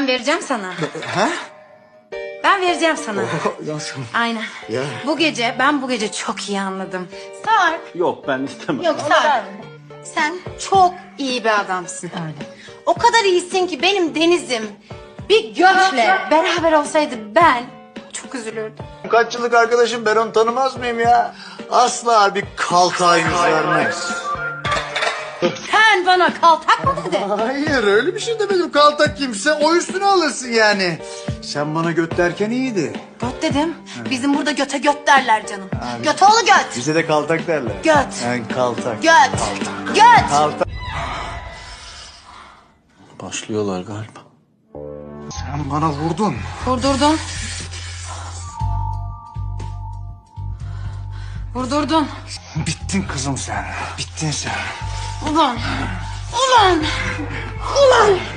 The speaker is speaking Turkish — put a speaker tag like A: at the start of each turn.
A: Ben vereceğim sana.
B: Ha?
A: Ben vereceğim sana.
B: Nasıl?
A: Aynen.
B: Ya.
A: Ben bu gece çok iyi anladım. Sarp.
C: Yok ben istemem.
A: Yok Sarp. Sen çok iyi bir adamsın. Öyle. O kadar iyisin ki benim Deniz'im bir göçle beraber olsaydı ben çok üzülürdüm.
B: Kaç yıllık arkadaşım, ben onu tanımaz mıyım ya? Asla bir kaltağa yüz vermez.
A: Sen bana kaltak mı dedin?
B: Hayır, öyle bir şey demedim. Kaltak kimse o üstüne alırsın yani. Sen bana göt derken iyiydi.
A: Göt dedim. Bizim burada göte göt derler canım. Göt oğlu göt.
B: Bize de kaltak derler.
A: Göt.
B: Yani kaltak.
A: Göt. Göt.
B: Kaltak.
C: Başlıyorlar galiba.
B: Sen bana vurdun.
A: Vurdurdun. Vurdurdun.
B: Bittin kızım sen. Bittin sen.
A: Ulan. Ulan. Ulan.